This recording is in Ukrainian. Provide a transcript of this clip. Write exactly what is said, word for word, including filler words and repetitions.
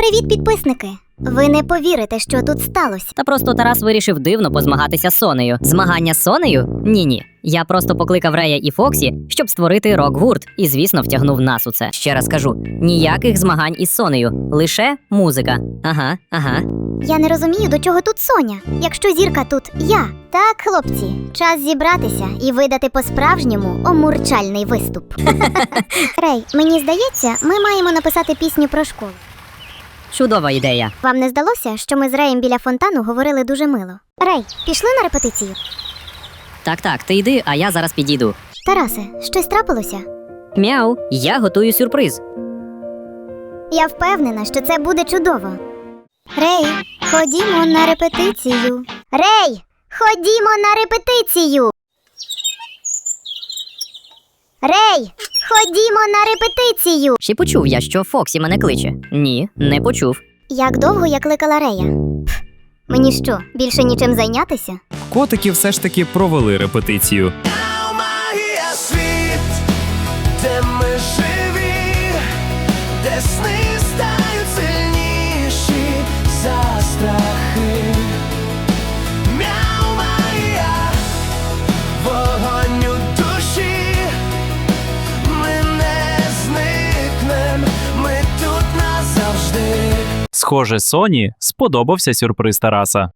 Привіт, підписники! Ви не повірите, що тут сталося. Та просто Тарас вирішив дивно позмагатися з Сонею. Змагання з Сонею? Ні-ні. Я просто покликав Рея і Фоксі, щоб створити рок-гурт, і, звісно, втягнув нас у це. Ще раз кажу, ніяких змагань із Сонею, лише музика. Ага, ага. Я не розумію, до чого тут Соня, якщо зірка тут я. Так, хлопці, час зібратися і видати по-справжньому омурчальний виступ. Рей, мені здається, ми маємо написати пісню про школу. Чудова ідея. Вам не здалося, що ми з Реєм біля фонтану говорили дуже мило? Рей, пішли на репетицію? Так-так, ти йди, а я зараз підійду. Тарасе, щось трапилося? Мяу, я готую сюрприз. Я впевнена, що це буде чудово. Рей, ходімо на репетицію. Рей, ходімо на репетицію. Рей, ходімо на репетицію. Чи почув я, що Фоксі мене кличе? Ні, не почув. Як довго я кликала Рея? Пф, мені що, більше нічим зайнятися? Котики все ж таки провели репетицію. Магія світ, де ми живі, де сни стають сильніші за страхи. Мяу, магія, вогонь у душі, ми не зникнем, ми тут назавжди. Схоже, Соні сподобався сюрприз Тараса.